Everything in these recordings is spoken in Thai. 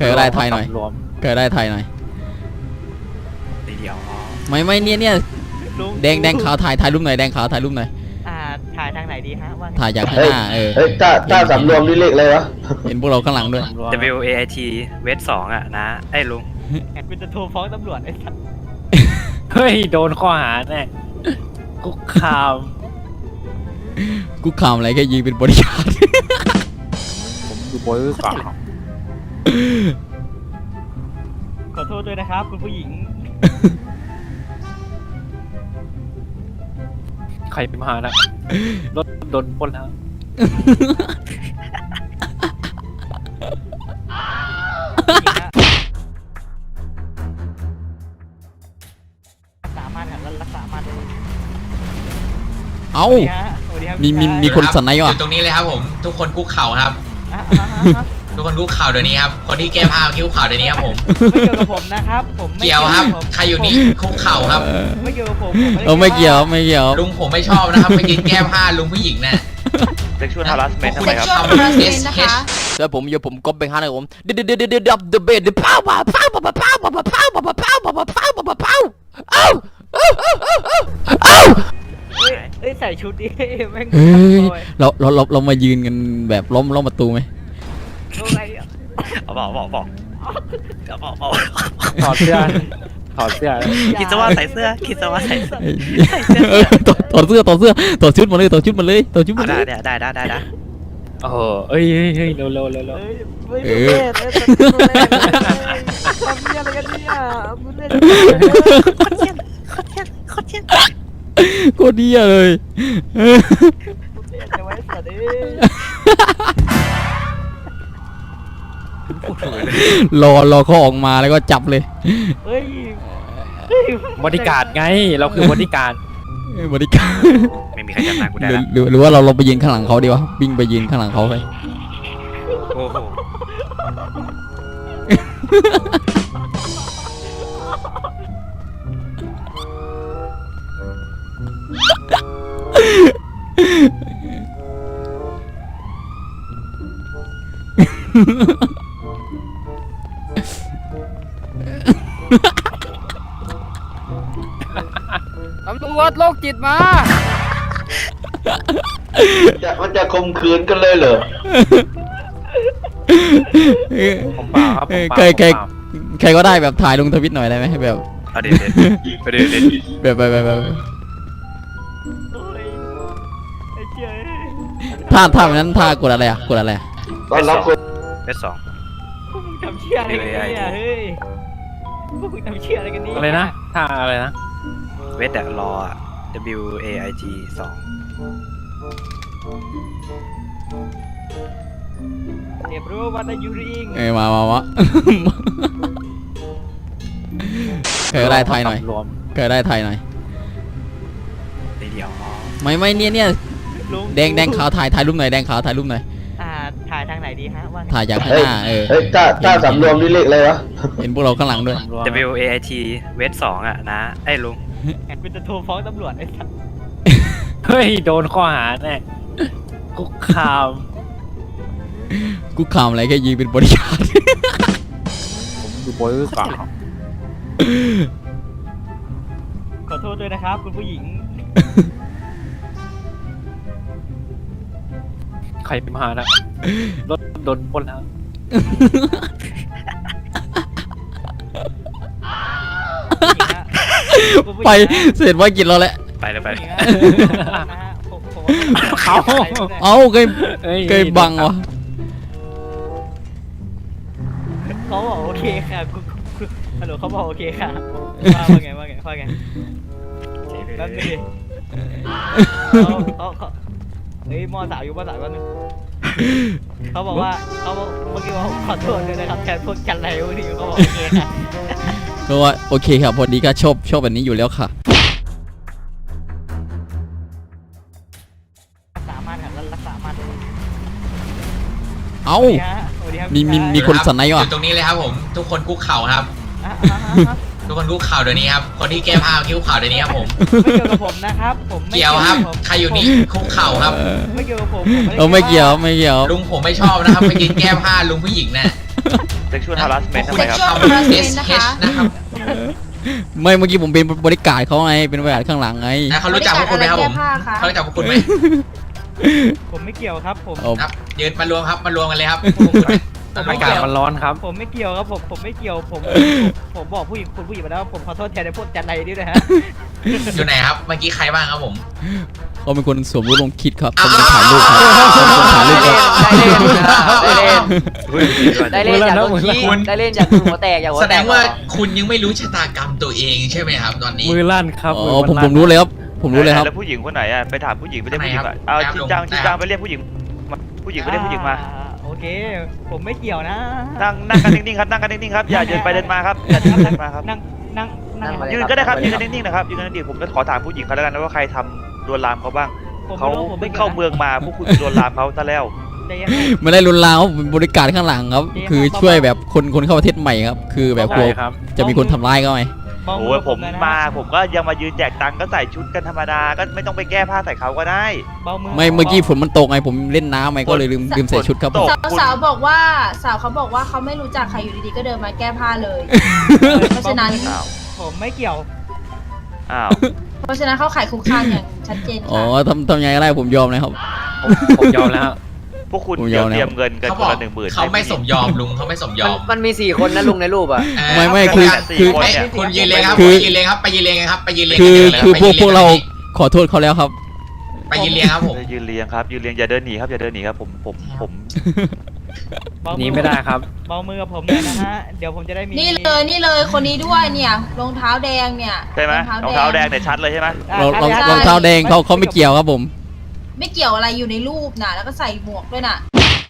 เคยได้ไทยหน่อยเคยได้ไทยหน่อยเดี๋ยวไม่เนี่ยแดงขาวถ่ายรูปหน่อยแดงขาวถ่ายรูปหน่อยถ่ายทางไหนดีฮะว่าถ่ายจากข้างหน้าเฮ้ยต้าสำรวมนี่เลขอะไรวะเห็นพวกเราข้างหลังด้วย WAIT เวท2อ่ะนะไอ้ลุงคุณจะโทรฟ้องตำรวจไอ้สัสเฮ้ยโดนข้อหาแน่คุกคามอะไรแค่ยิงเป็นบริการผมดูบอยก่อนขอโทษด้วยนะครับคุณผู้หญิงใครมานะรถโดนปล้นแล้วสามารถรักษามันเอ้ามีคนสนใจว่ะอยู่ตรงนี้เลยครับผมทุกคนคุกเข่าครับทุกคนคุกเข่าเดี๋ยวนี้ครับคนที่แก้ผ้าคุกเข่าเดี๋ยวนี้ครับผมไม่เกี่ยวกับผมนะครับผมเกี่ยวครับใครอยู่นี่คุกเข่าครับไม่เกี่ยวกับผมไม่เกี่ยวลุงผมไม่ชอบนะครับไปกินแก้ผ้าลุงผู้หญิงน่ะเซ็กชวลฮาร์สเมนต์ทำไมครับแล้วผมก๊อปไปข้างหนึ่งผมเดเบดเอ้าใส่ชุดนี้แม่งเรามายืนกันแบบล้อมประตูไหมบอกถอดเสื้อคิดซะว่าใส่เสื้อถอดชุดมาเลยได้โอ้โหเอ้ยเร็วทำอะไรกันเนี่ยมึงเล่นโคตรดีเลยจะไว้สัตว์รอเขาออกมาแล้วก็จับเลยบริการไงเราคือบริการไม่มีใครจำนานกูได้หรือว่าเราไปยืนข้างหลังเขาดีวะวิ่งไปยืนข้างหลังเขาไปโอ้โหตำรวจโรคจิตมามันจะข่มขืนกันเลยเหรอผมเปล่าครับใครก็ได้แบบถ่ายลงทวิตหน่อยได้ไหมแบบเดี๋ยวแบบท่านั้นท่ากดอะไรตอนรับคนเวท2 พวกมึงทำเชี่ยอะไรกันเนี่ยเฮ้ยพวกมึงทำเชี่ยอะไรกันนี่อะไรนะท่าอะไรนะเวทรอ WAIT 2 เดี๋ยวรู้ว่าจะยูริงมาเคยได้ไทยหน่อยเดี๋ยวไม่เนี่ยแดงขาวถ่ายรูปหน่อยแดงขาวถ่ายรูปหน่อยถ่ายทางไหนดีฮะว่าถ่ายจากข้างหน้าเฮ้ยต้าสำรวมนี่เลขอะไรวะเห็นพวกเราข้างหลังด้วย WAIT เวท2อ่ะนะไอ้ลุงคุณจะโทรฟ้องตำรวจไอ้สัสเฮ้ยโดนข้อหาแน่คุกคามอะไรแค่ยิงเป็นบริการผมดูบอยก่อนขอโทษด้วยนะครับคุณผู้หญิงใครมานะรถโดนปล้นแล้วไปเสร็จว่ากินเราแหละไปเลยเอาเคยบังวะเขาบอกโอเคค่ะฮัลโหลเขาบอกโอเคค่ะว่าไงนั่นนี่เขาเฮ้ยมอสาวอยู่มอสาวกันนึงเขาบอกว่าเมื่อกี้ว่าขอโทษด้วยนะครับแทนพวกกันไรวันนี้เขาบอกโอเคค่ะก็ว่าโอเคครับพอดีก็ชอบแบบนี้อยู่แล้วค่ะสามารถรักษามันเอ้ามีคนสนใจว่ะอยู่ตรงนี้เลยครับผมทุกคนคุกเข่าครับทุกคนคุกเข่าเดี๋ยวนี้ครับคนที่แก้ผ้าคุกเข่าเดี๋ยวนี้ครับผมไม่เกี่ยวกับผมนะครับผมเกี่ยวครับใครอยู่นี่คุกเข่าครับไม่เกี่ยวกับผมไม่เกี่ยวลุงผมไม่ชอบนะครับไปกินแก้ผ้าลุงผู้หญิงน่ะ sexual harassment พวทำกไมคุณครับทำ SH นะครับไม่เมื่อกี้ผมเป็นบริการเขาไงเป็นบริการข้างหลังไงนะเขารู้จักพวกคุณไหมครับผมแก้ผ้าค่ะเขารู้จักพวกคุณไหมผมไม่เกี่ยวครับผมเอาครับยืนมารวมครับมารวมกันเลยครับพวกคุณอากาศมันร้อนครับผมไม่เกี่ยวครับผมไม่เกี่ยวผมบอกผู้หญิงคุณผู้หญิงไปแล้วผมขอโทษแทนในพวกจันไรนี่นะฮะอยู่ไหนครับเมื่อกี้ใครบ้างครับผมเขาเป็นคนสวมรู้ลงคิดครับเขาเป็นคนถ่ายรูปครับเขาเป็นคนถ่ายรูปครับได้เล่นได้เล่นอยากโดนขี้คุณได้เล่นอยากหัวแตกอยากหัวแสแตดกงว่าคุณยังไม่รู้ชะตากรรมตัวเองใช่ไหมครับตอนนี้มือลั่นครับอ๋อมืผมลั่นรู้เลยครับผมรู้เลยครับแล้วผู้หญิงคนไหนอ่ะไปถามผู้หญิงไปเรียกผู้หญิงไหนครัอ่ะบเอาครับชินจังลงชินได้คจัรังบไปเรียกผู้หญิงมาผู้หญิงไปเรียกผู้หญิงมาโอเค ผมไม่เกี่ยวนะนั่งกันนิ่งๆครับนั่งกันนิ่งๆครับอย่าเดินไปเดินมาครับอย่าเดินไปเดินมาครับนั่งยืนก็ได้ครับยืนกันนิ่งๆนะครับยืนกันนิ่งๆผมจะขอถามผู้หญิงเขาแล้วกันนะว่าใครทำลวนลามเขาบ้างผมเขาไม่รู้ผมเพิ่ไม่งกี่ยวเข้าเมืองมาพวกคุณลวนลามเขาซะแล้วใจเย็นไม่ได้รุนแรงครับผมเป็นบริการข้างหลังครับ คือช่วยแบบคนเข้าประเทศใหม่ครับ คือแบบกลัใช่วครับจะมีคนทำร้ายเขาไหมมองโอ้มืยผมเลยนะมาผมก็ยังมายืนแจกตังค์ก็ใส่ชุดกันธรรมดาก็ไม่ต้องไปแก้ผ้าใส่เขาก็ได้เบามือไม่เมื่อกี้ฝนมันตกไงผมเล่นน้ำไงก็เลยลืมใส่ชุดครับผมสาวบอกว่าสาวเขาบอกว่าเขาไม่รู้จักใครอยู่ดีๆก็เดินมาแก้ผ้าเลย เพราะฉะนั้นอ้าวผมไม่เกี่ยวอ้าวเพราะฉะนั้นเขาขายคุกคามอย่างชัดเจนอ๋อค่ะทำยังไงก็ได้ผมยอมเลยครับผมยอมแล้วพวกคุณผมยเดี๋อยวมเตรียมเงินกันเขาคบอน กละ10,000 เขาไม่สมยอมลุงเขาไม่สมยอมมันมี4 คนนะลุงในรูปอ่ะไม่คือ 4 คนเอ้ยเนี่ยคุณยืนเลยครับคือไปยืนเลยครับไปยืนเลยครับไปยืนเลยคือพวกเราขอโทษเขาแล้วครับไปยืนเรียงครับผมยืนเรียงครับยืนเรียงอย่าเดินหนีครับอย่าเดินหนีครับผมเบาหนีไม่ได้ครับเบามือกับผมเลยนะฮะ เดี๋ยวผมจะได้มีนี่เลยคนนี้ด้วยเนี่ยรองเท้าแดงเนี่ยใช่ไหมรองเท้าแดงเนี่ยชัดเลยใช่ไหมรองเท้าแดงเขาไม่เกี่ยวครับผมไม่เกี่ยวอะไรอยู่ในรูปน่ะแล้วก็ใส่หมวกด้วยน่ะ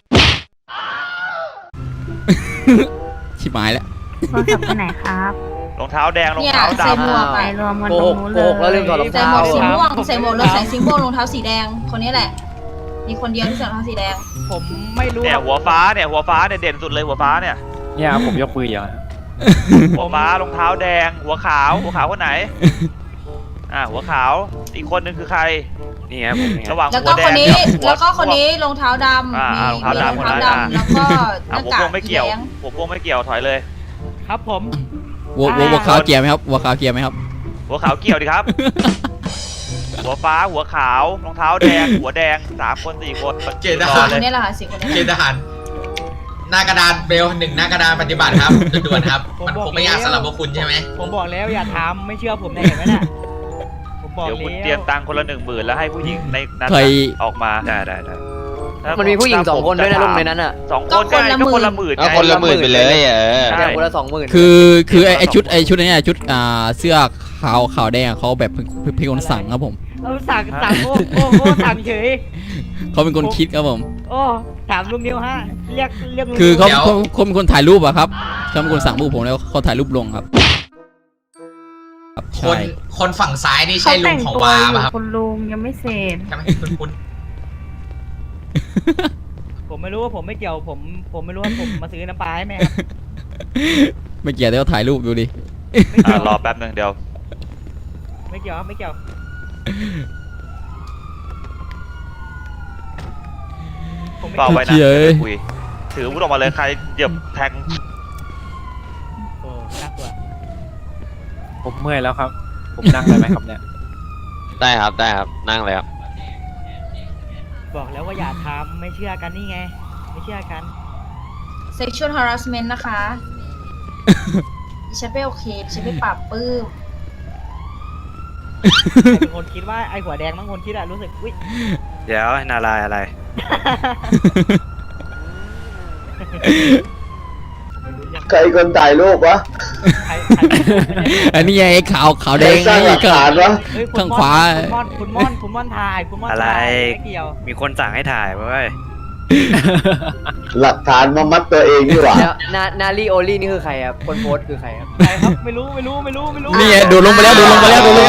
ชิบหายแล้วโทรศัพท์ไปไหนครับรองเท้าแดงรองเนี่ยเท้าใส่หมดำวกไปอะรวมกันตรงนู้นเลยใส่หมวกสีม่วงใส่หมวกแล้วใส่สีม่วงรองเท้าสีแดงคนนี้แหละ มีคนเดียวที่ใส่รองเท้าสีแดงผมไม่รู้เนี่ยหัวฟ้าเนี่ยเด่นสุดเลยหัวฟ้าเนี่ยเนี่ยผมยกมืออย่างหัวฟ้ารองเท้าแดงหัวขาวคนไหนหัวขาวอีกคนนึงคือใครนี่ครับผมเนี่ยระหว่างแล้วหัก็วแดคงนนี้กับหัวแล้วก็คนนี้รองเท้าดำอ่ามีรองเท้าดำรองเท้าคนนั้นดำแล้วก็หน้าหัวกาโป้กงไม่สีเกี่ยวแดงหัวโป้งไม่เกี่ยวถอยเลยครับผมวัวขาวเกียร์ไหมครับวัวขาวเกียร์ไหมครับหัวขาวเกี่ยวดิครับ หัวฟ้าหัวขาวรองเท้าแดงหัวแดง3 คน 4 คนเกณฑ์ทรหาอรเลคนยนี้แหละค่ะสี่คนนี้เกณฑ์ทหารหน้ากระดานเบล1หน้ากระดานปฏิบัติครับด่วนๆครับ มันคงไม่ยากสำหรับพวกคุณใช่ไหมผมบอกแล้วอย่าทำไม่เชื่อผมเนี่ยเห็นไหมน่ะผมบอกเดี๋ยวคุณแล้วเตรียมตังค์คนละ10,000แล้วให้ผู้หญิงในนั้นใครออกมาได้ถ้ามันมีผู้หญิงถ้า 2 คนด้วยนะลุงในนั้นอ่ะ 2 คนก็คนละหมื่นเอาคนละหมื่นไปเลยใช่แต่คนละ20,000 คือไอชุดนี้ชุดเสื้อขาวแดงเขาแบบเป็นคนสั่งครับผมเอาสั่งโอ้สั่งเฉยเขาเป็นคนคิดครับผมโอ้ถามลุงนิวฮะเรียกลุงคือเขาเป็นคนถ่ายรูปอะครับเขาเป็นคนสั่งรูปผมแล้วเขาถ่ายรูปลงครับครับคใช่นคนฝั่งซ้ายนี่เขาใช่ลุแต่งงของตัววาอยู่ป่ะครับคุณลุงยังไม่เสร็จใช่ไหมคุณผมไม่รู้ว่าผมไม่เกี่ยวผมไม่รู้ว่าผมมาซื้อน้ำปลาให้แม่ครับไม่เกี่ยวแต่ก็ถ่ายรูปดูดิไม่เกี่ยวรอแป๊บนึงเดี๋ยวไม่เกี่ยวครับไม่เกี่ยวผมไม่เปล่าเกี่ยวไว้นะเฮ้ยคุยถืออาวุธออกมาเลยใครเหยียบแทงโอ้น่ากลัวผมเมื่อยแล้วครับ ผมนั่งได้ไหมครับเนี่ยได้ครับนั่งเลยครับบอกแล้วว่าอย่าทำไม่เชื่อกันนี่ไง ไม่เชื่อกัน sexual harassment นะคะดิฉันไม่โอเคดิฉันไม่ปรับปื้มใครเป็นคนคิดว่าไอ้หัวแดงบางคนคิดอะรู้สึกอุ้ยเดี๋ยวนาลายอะไรใครคนถ่ายรูปวะใครอันนี้ไอ้ขาวแดงสร้างหลักฐานวะเฮ้ยข้างขวาคุณม่อนถ่ายคุณม่อนอะไรถ่ายไม่เกี่ยวมีคนสั่งให้ถ่ายเว้ยหลักฐานมามัดตัวเองดีกว่าแล้วนาลีโอลี่นี่คือใครครับคนโพสคือใครครับใครครับไม่รู้นี่ไงโดดลงไปแล้วเรียบร้อย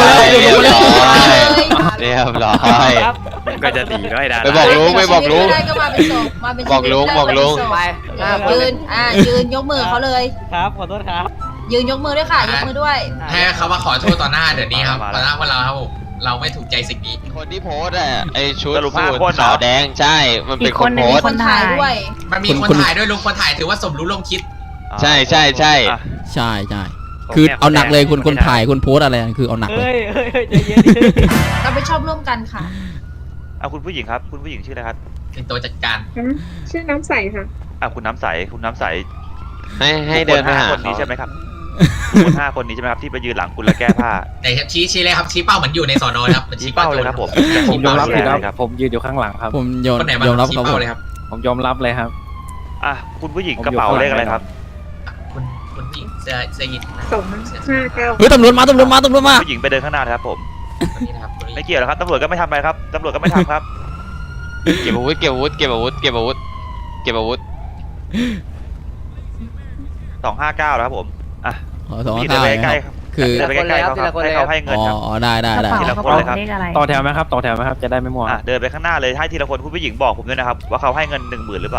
ครับก็จะดีด้วยดาไปบอกลุงไปบอกลุงได้ก็มาเป็นศพมาเป็นบอกลุงบอกลุงไปยืนยกมือเขาเลยครับขอโทษครับยืนยกมือด้วยค่ะยกมือด้วยให้เขามาขอโทษต่อหน้าเดี๋ยวนี้ครับต่อหน้าพวกเราครับผมเราไม่ถูกใจสิ่งนี้คนที่โพสอะไอชุดสรุปสู 5 คนทเหรอขาวแดงใช่ มันเป็นคนโพสคนถ่ายด้วยมันมีคนถ่ายด้วยลุงคนถ่ายถือว่าสมรู้ร่วมคิดใช่ใช่ใช่อ่ะใช่ใช่คือเอาหนักเลยคนถ่ายคนโพสอะไรคือเอาหนักเลยเฮ้ยใจเย็นดิเราไปชอบร่วมกันค่ะเอาคุณผู้หญิงครับ คุณผู้หญิงชื่ออะไรครับเป็นตัวจัดการชื่อน้ำใสค่ะคุณน้ำใสคุณน้ำใสให้เดินไปหาคนเขานี้ใช่ไหมครับคน5 คนนี้ใช่ไหมครับที่ไปยืนหลังคุณแล้วแก้ผ้าแต่ชี้เลยครับชี้เป้าเหมือนอยู่ในสอนอครับมันชี้เป้าเลยครับผมผมยอมรับผิดเลครับผมยืนอยู่ข้างหลังครับผมยอมคนไหนบ้างยอมรับชี้ครับผเป้าม เลยครับผมยอมรับเลยครับอ่ะคุณผู้หญิงกระเป๋าเลขอะไรครับคุณผู้หญิงเสื้อยีนส์เฮ้ยตำรวจมาผู้หญิงไปเดินข้างหน้านะครับผมคนนี้นะครับคนนี้ไม่เกี่ยวหรอกครับตำรวจก็ไม่ทำอะไรครับตำรวจก็ไม่ทำครับเก็บอาวุธเก็บอาวุธเก็บอาวุธเก็บอาวุธเก็บอาวุธ 259แล้วครับผมอ่ะขอสองพี่เดินข้าวไปนะใกคล้รับๆคือเดินไปใกล้ๆเขาครับให้เขาให้เงินครับอ๋อได้กระเป๋าทีละกระคนเป๋าเลยครับเลขอะไรต่อแถวไหมครับต่อแถวไหมครับจะได้ไม่มั่วอ่ะเดินไปข้างหน้าเลยให้ทีละคนคุณผู้หญิงบอกผมด้วยนะครับว่าเขาให้เงิน10,000หรือเปล่า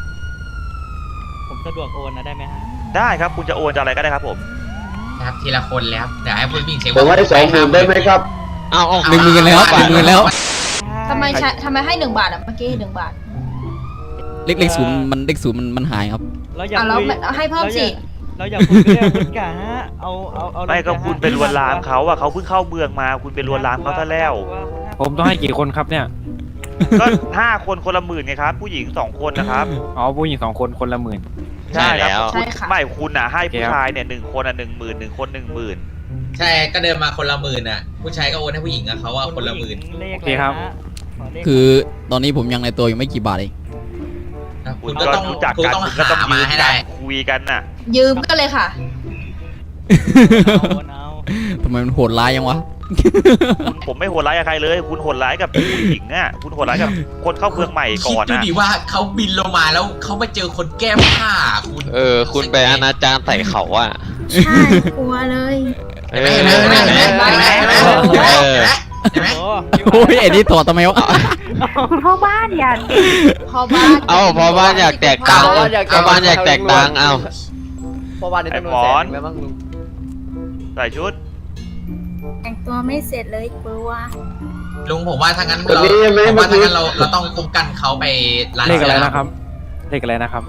ผมสะดวกโอนนะได้ไหมฮะได้ครับคุณจะโอนจะอะไรก็ได้ครับผมนะครับทีละคนแล้วเดี๋ยวให้ผู้หญิงเช็คผมให้20,000ได้ไหมครับเอา 10,000แล้ว10,000แล้วทำไมให้1 บาทอ่ะเมื่อกี้1 บาทเลขศูนย์มันหายครับเราอยากแล้วคุยให้เพิ่มสิเราอยากคุยกันเรื่องพุทธกาฮะเอาไม่ก็คุณไปลวนลามเขาอะเขาเพิ่งเข้าเมืองมาคุณไปลวนลามเขาซะแล้วผมต้องให้กี่คนครับเนี่ยก็5 คนคนละ10,000ไงครับผู้หญิง2 คนนะครับอ๋อผู้หญิง2 คนคนละ10,000 ใช่แล้วใช่ค่ะไม่คุณอะให้ผู้ชายเนี่ย1 คนอะ10,000 1 คน10,000 ใช่ก็เดินมาคนละ10,000อ่ะผู้ชายก็โอนให้ผู้หญิงอะเขาว่าคนละ10,000 เลขโอเคครับคือตอนนี้ผมยังในตัวอยู่ไม่กี่บาทเองคุณก็ต้องรู้จักกันคุณก็ต้องยืนกันคุยกันน่ะยืมกันเลยค่ะเอาทำไมมันโหดร้ายยังวะผมไม่โหดร้ายกับใครเลย คุณโหดร้ายกับผู้หญิงอ่ะคุณโหดร้ายกับคนเข้าเมืองใหม่คิก่ดอนดูนะดิว่าเขาบินลงมาแล้วเขาไปเจอคนแก้ผ้าคุณคุณไปอนาจารใส่เขาอ่ะใช่กลัวเลยเอเห็นไหมอเห็นไหมเห็นไหมเห็นไหมเห็นไหมเห็นไหมเห็นไหมโอ้โอ้ยไอ้นี่ถอดทำไมวะคุณพ่อบ้านอย่าพอบ้านเอาพอบ้านอยากแตกตังค์พอบ้านอยากแตกตังค์เอาพอวันนี้ไอ้ต้องหมอนแสนบ้างลุงใส่ชุดแต่งตัวไม่เสร็จเลยกลัวลุงผมว่าถ้างั้นวันเรานี้ยังไม่ผมว่ามาถึถ้าง งั้นเราต้องคุ้มกันเขาไปร้านเลขอะไรนะครับเลขอะไรนะครับ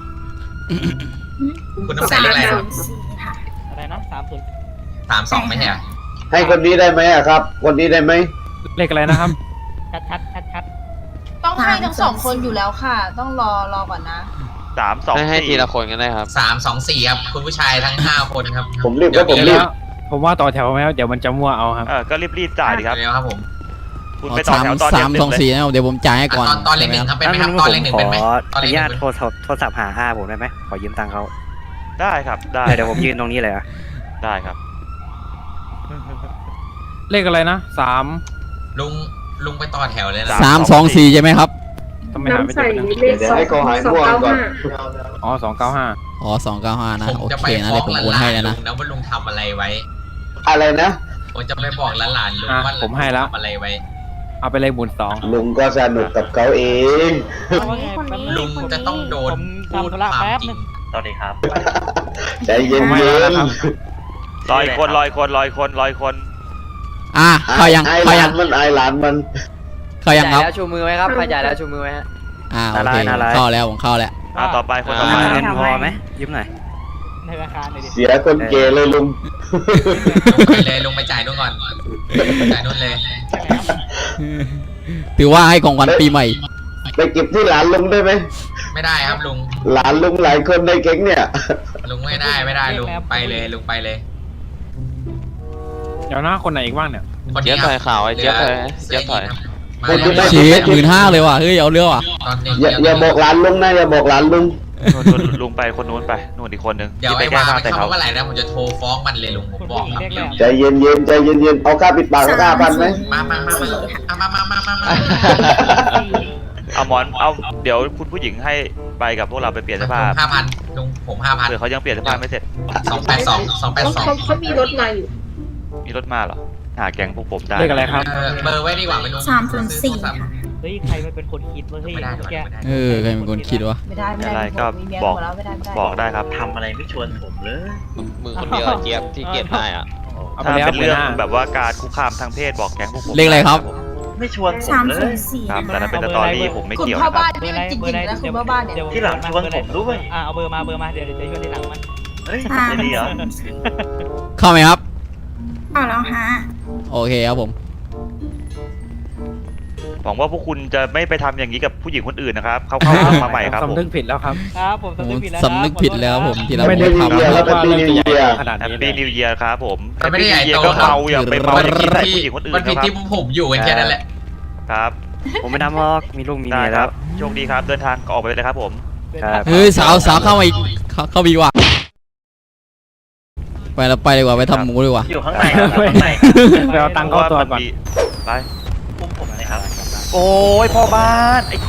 คุณต้องใส่เลขอะไรครับ 304ค่ะอะไรนะ30 32ไม่ใช่เหรอให้คนนี้ได้ไหมอะครับ คนนี้ได้ไหมเลขอะไรนะครับชัดต้องให้ทั้ง2 คนอยู่แล้วค่ะ ต้องรอก่อนนะ 3 2 ให้ทีละ 4 คนก็ได้ครับ 324ครับคุณผู้ชายทั้ง5คนครับผมรีบก็ผมเดี๋รียวบผมว่าต่อแถวไหมครับเดี๋ยวมันจะมั่วเอาครับก็รีบจ่ายดิครับเร็วครับผมคุณไปต่อแถวตอนสามเด็สองสี่นะเดี๋ยวผมจ่ายให้ก่อนตอนเลขหนึ่งครับเป็นไหมครับตอนเลขหนึ่งเป็นไหมตอนเลขหนึ่งโทรศัพท์หาอาผมได้ไหมขอยืมตังค์เขาได้ครับได้เดี๋ยวผมยืนตรงนี้เลยอะได้ครับเลขอะไรนะลุงไปต่อแถวเลยนะ 324ใช่ไหมครับทำไมหาไม่เจอนะเดี๋ยวให้เขาหายง่วงก่อนอ๋อ295 อ๋อ295นะผมโอจะเคไปนะฟ้อเดี๋ยวผมงหโอนลาให้นแล้วๆลุนะงนะว่าลุงทำอะไรไว้อะไรนะผมจะไปบอกหลานๆลุงว่าผมให้แล้วทำอะไรไว้เอาไปเลย12,000 ลุงก็สนุกกับเขาเองลุงจะต้องโดนผมพูดทำธุระความแป๊บจรินึงงสวัสดีครับใจเย็นผมให้เย็แล้วนนะครับลอยคนลอยคนลอยคนลอยคนเข้ายังไอ้เข้าหยัลาง นมันไอ้หลานมันเข้ายังครับแล้วชูมือไหมครับใครจ่ายแล้วชูมือไหมฮะโอเคเข้าแล้วผมเข้าแล้วต่อไปคนต่อไปเงินพอไหมยืมหน่อยในราคาเลยดิเสียคนเกเลยลุงลุงไปเลยลุงไปจ่ายนู่นก่อนจ่ายนู่นเลยถือว่าให้ของขวัญปีใหม่ไปเก็บที่หลานลุงได้ไหมไม่ได้ครับลุงหลานลุงหลายคนในแก๊งเนี่ยลุงไม่ได้ลุงไปเลยลุงไปเลยเดี๋ยวหน้าคนไหนอีกบ้างเนี่ยคนเจี๊ยนี้บถอยข่าวไอ้เจี๊ยบถอยเจี๊ยบถอยมาแล้วเชฟ15,000เลยว่ะเฮ้ยเอาเรื่องว่ะตอนนี้อย่าบอกหลานลุงนะอย่าบอกหลานลุงลุงไปคนนู้นไปนู่นอีกคนนึงเดี๋ยวที่ไปไอ้แก้วาผ้าไปใส่เข้าเขาเมื่อไหร่นะผมจะโทรฟ้องมันเลยลุงผมบอกครับเดี๋ยวใจเย็นเย็นใจเย็นเย็นเอาค่าปิดปากเอาค่าพันไหมมาเอาหมอนเอาเดี๋ยวคุณผู้หญิงให้ไปกับพวกเราไปเปลี่ยนเสื้อผ้า 5,000ลุงผม5,000 เผื่อเขายังเปลี่ยนเสื้อผ้าไม่เสร็จ 282 เขามีรถมาอยู่มีรถมาเหรอหาแก๊งพวกผมได้เลขอะไรครับเบอร์ไว้ดีกว่าไม่ลุง 304ค่ะเฮ้ยใครมันเป็นคนคิดวะเฮ้ยไม่ได้แกใครเป็นคนคิดวะไม่ได้อะไรก็มีเมียบอกหมดแล้วไม่ได้บอกได้ครับทำอะไรไม่ชวนผมเลยมือคนเดียวเจี๊ยบที่เกียรติได้อ่ะเอาไปถ้าแล้วเป็นเรื่องหัวหน้าแบบว่าการคุกคามทางเพศบอกแก๊งพวกผมเลขอะไรครับไไม่ชวนผมสามเลศูยนย์สี่ครับแต่นั้นเป็นสตอรี่ผมไม่คุณเกี่ยวพ่อนะคบ้ารับนนี่มันจริงๆนะคุณพ่อบ้านเนี่ยที่หลังชวนผมด้วยเอาเบอร์มาเดี๋ยวจะชวนที่หลังมันเฮ้ยสามจะดีเหรอศูนย์สี่เข้าไหมครับเอาแล้วฮะโอเคครับผมหวังว่าพวกคุณจะไม่ไปทำอย่างนี้กับผู้หญิงคนอื่นนะครับเข้ามาใหม่ครับผมสำนึกผิดแล้วครับครับผมสำนึกผิดแล้วสำนึกผิดแล้วครับผมที่เราไม่ไม่ได้ทำเรียนแล้วเป็นปีนิวเยียร์ขนาดแฮปนี้ปี้เลยนิวเยียร์ครับผมมันไม่ได้ใหญ่โตก็ครับเมาอย่าไปเมาอย่าคิดใส่ที่ผู้หญิงคนอื่นมันนะผิดครับที่ผมอยู่กันแค่นั้นแหละครับผมไม่ทำหรอกมีลูกมีได้เมียคแล้รัวบโชคดีครับเดินทางออกไปเลยครับผมครับเฮ้ยสาวเข้ามาอีกเข้าบีกว่าไปเราไปดีกว่าไปทำหมูดีกว่าอยู่ข้างในครับข้างในไปเอาตังค์เข้าตัวก่อนไปปุ้มผมนะครับ โอ้ยพ่อบ้านไอ้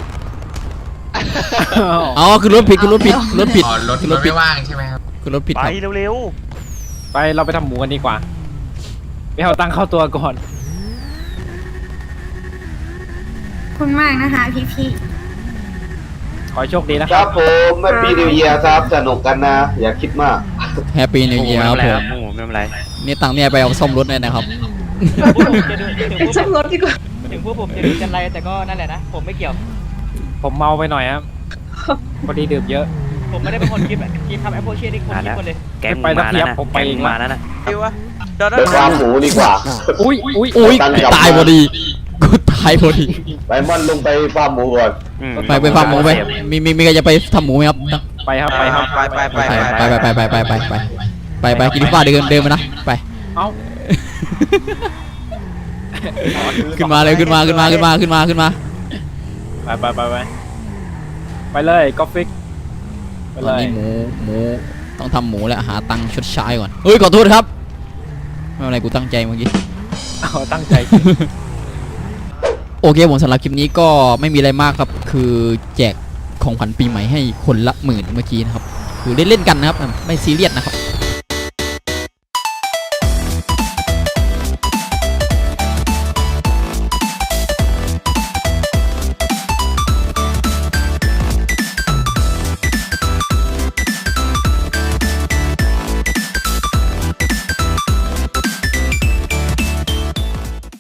อ๋อคือรถผิดคือรถผิดรถผิดอ๋อรถคือรรถถผิดไม่ว่างใช่ไหมครับคือรถผิดไปครับเร็วไปเราไปทำหมูกันดีกว่าไปเอาตังค์เข้าตัวก่อนขอบคุณมากนะคะพี่ขอให้โชคดีนะคครัรับบ ผมแฮปปี้นิวเยียร์ครับสนุกกันนะ อย่าคิดมากแฮปปี้นิวเยียร์ครับผมหมูไม่เป็นไรนี่ตังค์เนี่ยไปเอาซ่อมรถเลยนะครับพวกผมจะดูถึงพวกซ่อมรถดีกว่าถึงพวกผมจะดูจันไรแต่ก็นั่นแหละนะผมไม่เกี่ยวผมเมาไปหน่อยครับพอดีดื่มเยอะผมไม่ได้เป็นคนคิดอะคิดทำแอปเปิลเชียร์นี่คนคิดคนเลยแก๊งหมูไปสักมาเทีแล้วยบนะผมไปแก๊งเองหมูมาแล้วนะไปฟาร์มหมูดีกว่าอุ้ยอุ้ยอุ้ยตังค์กลับตายพอดีกูตายพอดีไปม่อนลงไปฟาร์มหมูก่อนอืมไปฟาร์มหมูไปมีใครจะไปทำหมูไหมครับไปครับไปครับไปไปไปไปกินฟ้าเดินมานะไปเอ้าขึ้นมาเลยขึ้นมาไปเลยกอฟฟิกไปตเลอนยนี้หมูต้องทำหมูแล้วหาตังค์ชดใช้ก่อนเฮ้ยขอโทษครับไม่เป็นไรกูตั้งใจเมื่อกี้เอาตั้งใจโอเคผมสำหรับคลิปนี้ก็ไม่มีอะไรมากครับคือแจกของขวัญปีใหม่ให้คนละ10,000เมื่อกี้นะครับคือเล่นๆกันนะครับไม่ซีเรียสนะครับ